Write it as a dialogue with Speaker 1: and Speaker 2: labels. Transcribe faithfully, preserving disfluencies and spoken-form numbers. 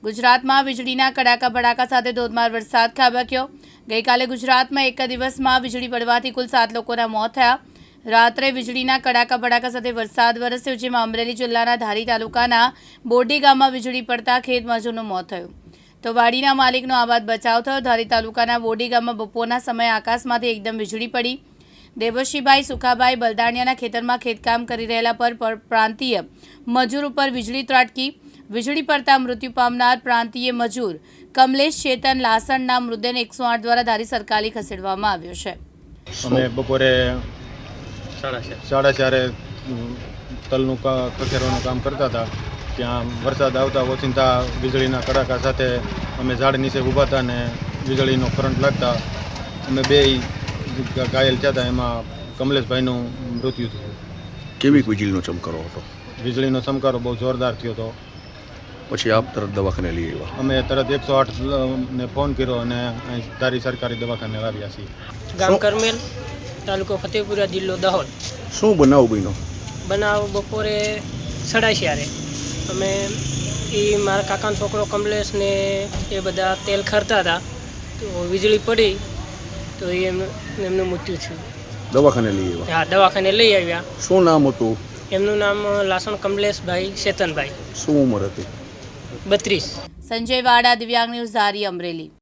Speaker 1: ગુજરાતમાં વીજળીના કડાકા ભડાકા સાથે ધોધમાર વરસાદ ખાબક્યો। ગઈકાલે ગુજરાતમાં એક દિવસમાં વીજળી પડવાથી કુલ સાત લોકોના મોત થયા। રાત્રે વીજળીના કડાકા ભડાકા સાથે વરસાદ વરસ્યો, જેમાં અમરેલી જિલ્લાના ધારી તાલુકાના બોરડી ગામમાં વીજળી પડતા ખેત મજૂરનું મોત થયું તો વાડીના માલિકનો આબાદ બચાવ થયો। ધારી તાલુકાના બોરડી ગામમાં બપોરના સમયે આકાશમાંથી એકદમ વીજળી પડી। દેવશીભાઈ સુખાભાઈ બલદાણિયાના ખેતરમાં ખેતકામ કરી રહેલા પર પ્રાંતીય મજૂર ઉપર વીજળી ત્રાટકી। વીજળી પડતા મૃત્યુ પામનાર પ્રાંતીય મજૂર કમલેશ ચેતન લાસણના મૃતદેહને એકસો આઠ દ્વારા ધારી સરકારી ખસેડવામાં આવ્યો છે।
Speaker 2: અમે બપોરે સાડા ચારે તલનું ખસેડવાનું કામ કરતા હતા, ત્યાં વરસાદ આવતા ઓચિંતા વીજળીના કડાકા સાથે અમે ઝાડ નીચે ઊભા હતા ને વીજળીનો કરંટ લાગતા અમે બે ઘાયલ થયા હતા। એમાં કમલેશભાઈનું મૃત્યુ થયું।
Speaker 3: કેવી વીજળીનો ચમકારો હતો?
Speaker 2: વીજળીનો ચમકારો બહુ જોરદાર થયો હતો।
Speaker 3: પછી આપ તરત દવાખાને લઈ આવ્યા?
Speaker 2: અમે તરત એકસો આઠ ને ફોન કર્યો અને અહીં ધારી સરકારી દવાખાને લાવ્યા છીએ।
Speaker 4: ગામ કરમેલ, તાલુકો ફતેપુરા, જિલ્લો દાહોદ।
Speaker 3: શું બનાવ બન્યો?
Speaker 4: બનાવ બપોરે સાડા ચારે અમે એ મારા કાકાનો છોકરો કમલેશ ને એ બધા તેલ ખરતા હતા તો વીજળી પડી તો એમ એમનું મૃત્યુ થયું।
Speaker 3: દવાખાને લઈ આવ્યા?
Speaker 4: હા, દવાખાને લઈ આવ્યા।
Speaker 3: શું નામ હતું
Speaker 4: એમનું નામ લાસણ કમલેશભાઈ ચેતનભાઈ।
Speaker 3: શું ઉંમર હતી?
Speaker 4: બત્રીસ।
Speaker 1: સંજય વાડા, દિવ્યાંગ ન્યૂઝ, ધારી, અમરેલી।